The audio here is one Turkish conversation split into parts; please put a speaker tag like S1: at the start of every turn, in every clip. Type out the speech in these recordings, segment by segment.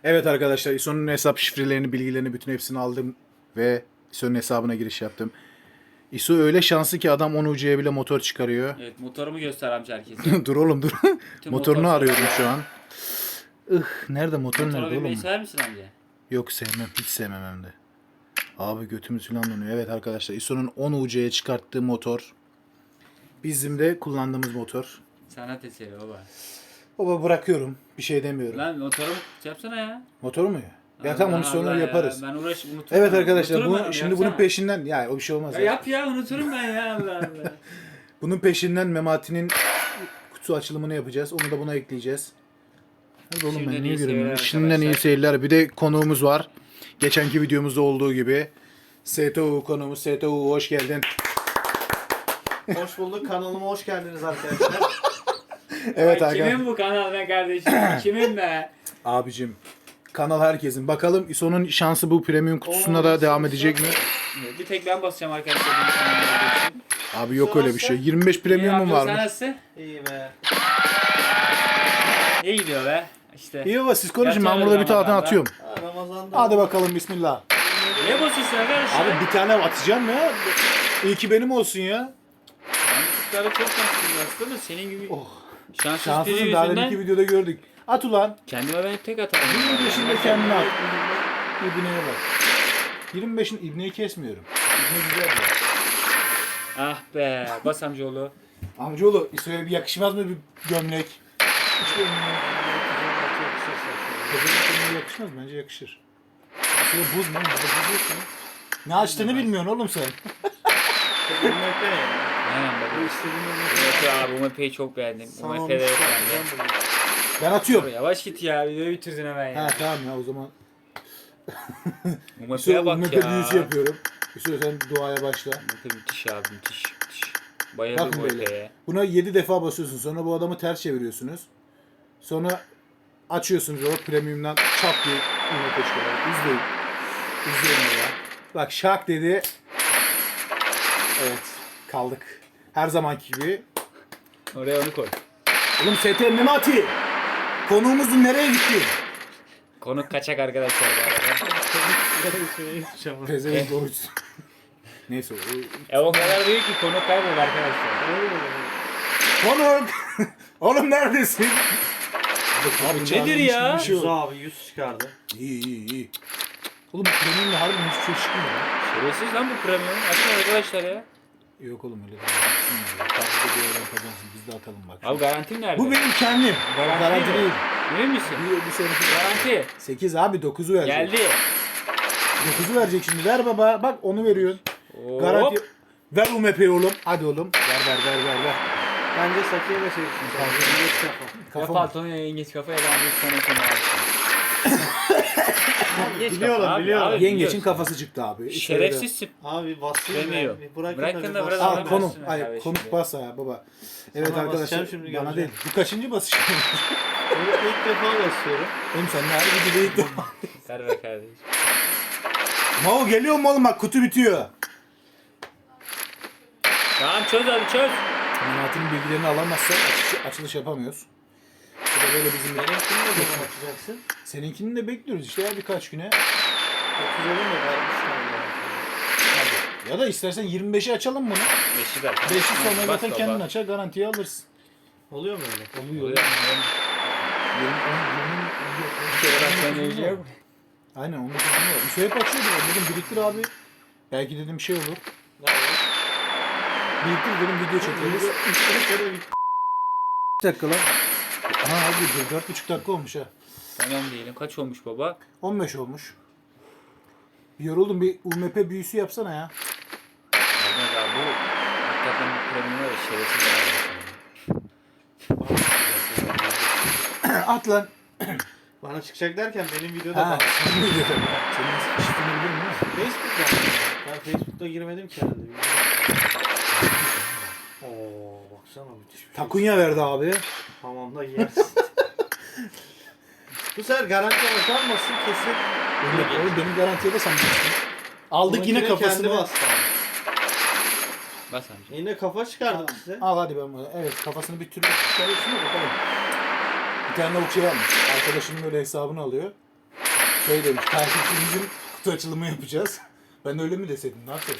S1: Evet arkadaşlar, İSO'nun hesap şifrelerini, bilgilerini, bütün hepsini aldım ve İSO'nun hesabına giriş yaptım. İSO öyle şanslı ki adam 10 ucuya bile motor çıkarıyor.
S2: Evet, motorumu göster amca herkese.
S1: Dur oğlum dur.
S2: Bütün
S1: Motorunu
S2: motor
S1: arıyorum
S2: sever
S1: şu
S2: ya.
S1: an. Nerede motor,
S2: Motora
S1: nerede
S2: binmeyi
S1: oğlum?
S2: sever misin amca?
S1: Yok, sevmem, hiç sevmem hem de. Abi götümüz falan donuyor. Evet arkadaşlar, İSO'nun 10 ucuya çıkarttığı motor. Bizim de kullandığımız motor.
S2: Sanat eseri baba.
S1: Baba bırakıyorum. Bir şey demiyorum.
S2: Lan motorumu yapsana ya.
S1: Motoru mu ya? Ya tamam, onu sonra
S2: Allah
S1: yaparız.
S2: Ya. Ben unuturum.
S1: Evet arkadaşlar,
S2: Unuturum ben
S1: bu
S2: onu,
S1: şimdi
S2: yapsana.
S1: bunun peşinden ya o bir şey olmaz
S2: Ya
S1: ya.
S2: yap ya, unuturum ben ya, Allah Allah.
S1: Bunun peşinden Memati'nin kutu açılımını yapacağız. Onu da buna ekleyeceğiz. Hadi oğlum,
S2: Şimdiden
S1: ben niye
S2: iyi
S1: göremiyorum?
S2: seyirler
S1: Şimdiden iyi
S2: arkadaşlar.
S1: seyirler. Bir de konuğumuz var. Geçenki videomuzda olduğu gibi. STU konuğumuz. STU hoş geldin.
S3: Hoş bulduk. Kanalıma hoş geldiniz arkadaşlar.
S1: Evet
S2: Ay,
S1: arkadaşlar.
S2: kimin bu kanal be kardeşim? Kimin be?
S1: Abicim. Kanal herkesin. Bakalım İSO'nun şansı bu premium kutusunda da devam edecek mi?
S2: Bir tek ben basacağım arkadaşlar. benim kanalımda olduğu için.
S1: Abi yok öyle bir şey. 25
S2: İyi
S1: premium'um
S2: amca, sen
S1: varmış.
S2: nasılsın?
S3: İyi be.
S2: İyi gidiyor be. İşte.
S1: İyi baba, siz konuşun. Ben
S2: Yatıyoruz
S1: burada bir tane
S2: Ramazan'da.
S1: atıyorum.
S3: Ha, Ramazan'da.
S1: Hadi bakalım, bismillah.
S2: Niye basıyorsun arkadaşlar?
S1: Abi bir tane atacağım ya. İyi ki benim olsun ya.
S2: Yanlışlıklara çok şanslıyım aslında, senin gibi
S1: Oh.
S2: şanssız biri
S1: Şanslısın, daha
S2: yüzünden
S1: deminki videoda gördük. At ulan.
S2: kendime ben tek atarım.
S1: 25'inde kendine at. İbneye bak. 25'in ibneyi kesmiyorum. İbne güzel ya.
S2: Ah be, bas amcaoğlu.
S1: Amcaoğlu, İsveç'e bir yakışmaz mı bir gömlek? Hiç gömleğe yakışmaz, bence yakışır. İsveç'e buz mu? Burada buz yok mu? Ne açtığını bilmiyorsun oğlum sen.
S2: Aynen baba.
S3: Bu istediğin
S2: Evet abi, bu map'i çok beğendim. Bu map'e de yok bende.
S1: Ben atıyorum.
S2: Yavaş git ya, videoyu bitirdin hemen ya.
S1: Ha tamam ya, o zaman.
S2: Bu map'e
S1: İsveç'e
S2: bak
S1: map'e
S2: ya.
S1: büyüsü yapıyorum. İsveç, sen duaya başla.
S2: Map'e müthiş abi, müthiş. Bayıldım
S1: Bakın
S2: bu
S1: böyle.
S2: map'e.
S1: Buna 7 defa basıyorsun. Sonra bu adamı ters çeviriyorsunuz. Sonra açıyorsunuz o premium'dan çap diye ürüne çıkıyor. İzleyin. İzleyin ya. Bak şak dedi. Evet. Kaldık. Her zamanki gibi.
S2: Oraya onu koy.
S1: Oğlum ST Memati. Konuğumuzun nereye gitti?
S2: Konuk kaçak arkadaşlar bu arada.
S1: Pezevenk oruç. Neyse.
S2: O kadar büyük ki konuk kayboldu arkadaşlar.
S1: Konuk. Oğlum neredesin?
S2: Abi nedir
S1: çağırmış
S2: ya?
S1: gibi bir şey
S3: Yüz
S1: oldu.
S3: abi 100 çıkardı.
S1: İyi. Oğlum premium'da harbiden hiçbir şey çıkmıyor ya.
S2: Şerefsiz lan bu premium. Açın arkadaşlar ya.
S1: Yok oğlum, öyle değil. Takip ediyorlar, kazansın. Biz de atalım bak.
S2: Abi garantim nerede?
S1: Bu benim kendim.
S2: Garanti
S1: Garanti
S2: mi?
S1: değil.
S2: Emin misin?
S1: Bir sonraki
S2: Garanti.
S1: 8 abi, 9'u verecek.
S2: Geldi.
S1: 9'u verecek şimdi. Ver baba. Bak onu veriyorsun.
S2: Hop.
S1: Garanti. Ver UMP'yi oğlum. Hadi oğlum. Ver.
S3: Bence Sakiye de çeksin. Geç kafa.
S2: Ya
S1: Kafa.
S2: paltonu yengeç kafaya ben bir sana abi.
S3: Biliyorum, biliyorum.
S1: Yengeçin
S2: biliyorsun.
S1: kafası çıktı abi.
S2: Şerefsizsin.
S3: Abi basayım
S2: Demiyor.
S3: ya. Bir bırakın,
S2: Bırakın
S3: da bir
S2: da biraz
S3: basayım.
S1: Al
S2: Sana
S1: konuk.
S2: versin
S1: Hayır,
S2: kardeşim
S1: konuk
S2: ya.
S1: bas ya baba. Evet
S3: Sana
S1: arkadaşlar.
S3: basacağım şimdi,
S1: Bana
S3: göreceğim.
S1: değil. Bu kaçıncı basış?
S3: Bunu ilk defa basıyorum.
S1: Oğlum sen ne harbi gibi ilk defa.
S2: Ver be kardeşim.
S1: Mao geliyor mu oğlum, bak kutu bitiyor.
S2: Tamam çöz abi çöz.
S1: Memati'nin bilgilerini alamazsak açılış yapamıyoruz. Bu da böyle bizim
S3: Benimkini ne zaman açacaksın?
S1: Seninkini de bekliyoruz işte ya, birkaç güne.
S3: 30 olur mu? Vermişler ya.
S1: Hadi. Ya da istersen 25'i açalım bunu.
S2: Beşi ver.
S1: 5'i sonra
S2: Bas
S1: zaten
S2: baba.
S1: kendin açar, garantiye alırsın.
S3: Oluyor mu öyle?
S1: Oluyor.
S2: Oluyor. Bir kere bak sen yiyecek.
S1: Aynen, 19 gün var. İso hep açıyordu. Dedim biriktir abi. Belki dedim şey olur.
S3: Ne var?
S1: Biriktir dedim, video çekeriz. 2 dakika lan. Aha abi 4,5 dakika olmuş ha.
S2: Tamam diyelim. Kaç olmuş baba?
S1: 15 olmuş. Bir yoruldum, bir UMP büyüsü yapsana ya.
S2: Olmaz abi bu. Hakikaten bu premium var ya, şerefsiz abi.
S1: At lan.
S3: Bana çıkacak derken benim videoda
S1: Ha,
S3: bak.
S1: senin video tabii. Senin şifreni biliyor musun?
S3: Facebook'ta. Ben Facebook'ta girmedim ki herhalde. Oo baksana müthiş bir şey.
S1: Takunya verdi abi.
S3: Hamamda yersin. Bu sefer garanti bakanmasın kesin.
S1: Oğlum benim garantiye de sen baksın. Aldık yine
S3: Onunkine
S1: kafasını.
S3: kendi bastı.
S2: Bas amca.
S3: Yine kafa çıkardım size.
S1: Al hadi ben bunu. Evet, kafasını bir türlü çıkarıyorsun da bakalım. Bir tane lavuk şey almış. Arkadaşının böyle hesabını alıyor. Şey demiş, takipçimizin kutu açılımı yapacağız. Ben öyle mi deseydim, ne yapacağız?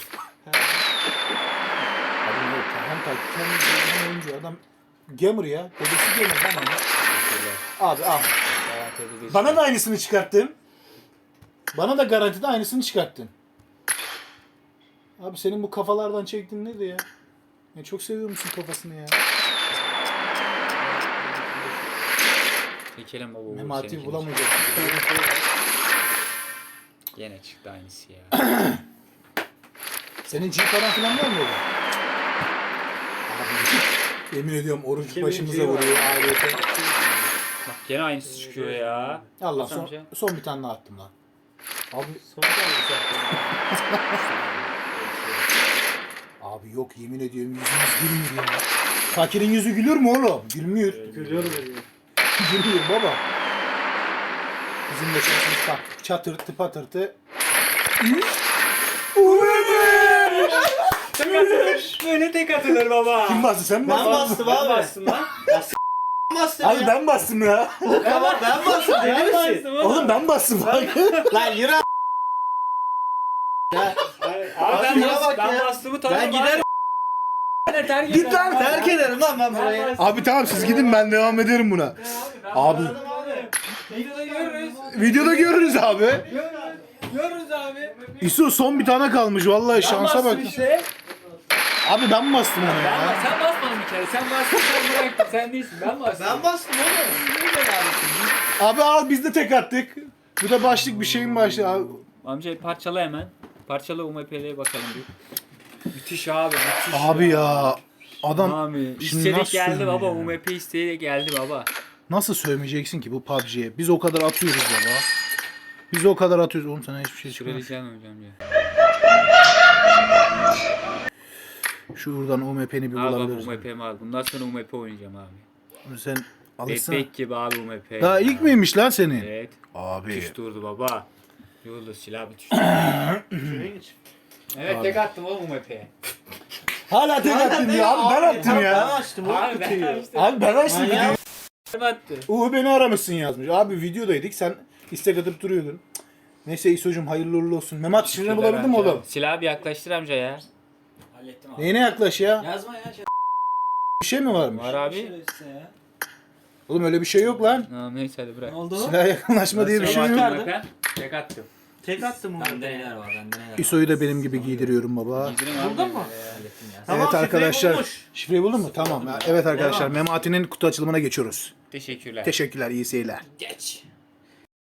S1: Abi ne yok, hem takipçi hem oyuncu adam gamer ya. Dedesi gamer lan ama. Abi al. Bana da aynısını çıkarttın. Bana da garantide aynısını çıkarttın. Abi senin bu kafalardan çektiğin neydi ya? Ya çok seviyor musun kafasını ya?
S2: Çekelim baba.
S1: Memati bulamayacak.
S2: Yine çıktı aynısı ya.
S1: Senin G paran falan var mı orada? Abi yemin ediyorum oruç
S3: Kimin
S1: başımıza
S3: G'yi var?
S1: vuruyor ailete.
S2: Bak gene aynısı çıkıyor ya.
S1: Allah
S2: Hasan amca.
S1: son bir tane daha attım lan. Abi, abi yok yemin ediyorum yüzümüz gülmüyor ya. Fakirin yüzü gülür mü oğlum? Gülmüyor.
S3: Gülüyorum.
S1: Gülmüyor baba. Bizim de şansımız bak. Çatırtı patırtı.
S2: Böyle tek atılır baba.
S1: Kim bastı sen mi
S3: Ben
S1: bastın?
S3: bastım abi.
S2: Bastım lan.
S3: Bastım
S1: Abi
S3: ya.
S1: ben bastım ya.
S3: Tamam ben bastım. Deli misin?
S1: Oğlum ben bastım bak.
S3: Lan yürü a- Ya.
S2: Abi ben,
S3: şuna bak
S2: ben
S3: ya.
S2: bastığımı tanırım.
S3: Ben giderim.
S2: Terk
S1: Git lan,
S3: Terk ederim lan ben burayı.
S1: Abi tamam siz gidin ben devam ederim buna. Abi
S2: Videoda görürüz.
S1: videoda görürüz abi.
S2: Görürüz abi.
S1: İso son bir tane kalmış vallahi şansa bak.
S2: Bastım işte.
S1: Abi ben mi bastım onu ya?
S2: Sen basmadın bir kere. Sen bastın sen bıraktın. Sen değilsin. Ben bastım.
S3: Ben bastım oğlum. Niye böyle abi?
S1: Abi al biz de tek attık. Bu da başlık bir şeyin başlığı abi.
S2: Amca parçala hemen. Parçala UMP'ye bakalım bir. Müthiş abi. Müthiş.
S1: Abi ya adam
S2: Abi
S1: şimdi
S2: istedik
S1: nasıl
S2: geldi
S1: söyleyeyim
S2: baba.
S1: ya?
S2: UMP isteyerek geldi baba.
S1: nasıl sövmeyeceksin ki bu PUBG'ye? Biz o kadar atıyoruz baba. Biz o kadar atıyoruz. Oğlum sana hiçbir şey çıkmıyor.
S2: Şuraya hocam ya.
S1: Şuradan UMP'ni bir
S2: Al baba
S1: bulabiliriz.
S2: UMP'mi al. Bundan sonra UMP oynayacağım abi.
S1: Sen alışsana.
S2: Bebek gibi abi UMP.
S1: Daha ilk miymiş lan senin?
S2: Evet.
S1: Abi.
S2: Müthiş durdu baba. Yolda silah bir düştü.
S3: Şuraya geç.
S2: Evet
S1: Abi.
S2: tek attım oğlum UMP'ye.
S1: Hala tek attın ya. Abi ben attım
S3: Ben
S1: ya.
S3: açtım oğlum
S2: Abi ben
S3: kutuyu.
S2: açtım.
S1: Abi ben açtım
S3: Manyak.
S1: videoyu.
S2: Kim attı?
S1: Beni aramışsın yazmış. Abi videodaydık sen istek atıp duruyordun. Neyse İso'cum hayırlı uğurlu olsun. Memat şifreni bulabildin mi oğlum?
S2: Silahı bir yaklaştır amca ya.
S4: Hallettim abi.
S1: Neyine yaklaş ya?
S4: Yazma ya.
S1: Bir şey mi varmış?
S2: Var abi.
S4: Şerefsiz ya.
S1: Oğlum öyle bir şey yok lan.
S2: Tamam neyse hadi bırak.
S4: Ne oldu?
S1: Silah yakınlaşma diye bir şey yok.
S3: Nerede?
S2: Tek attım.
S3: Tek attım onu.
S4: Bende neler var, bende neler var.
S1: İso'yu da benim gibi giydiriyorum baba.
S2: Giydirin abi.
S3: Buldun mu?
S4: Hallettim ya.
S3: Tamam,
S1: Evet
S3: şifreyi
S1: arkadaşlar.
S3: bulmuş.
S1: Şifreyi buldun mu? Tamam. Evet arkadaşlar
S3: Devam.
S1: Memati'nin kutu açılımına geçiyoruz.
S2: Teşekkürler.
S1: Teşekkürler iyi seyirler.
S4: Geç.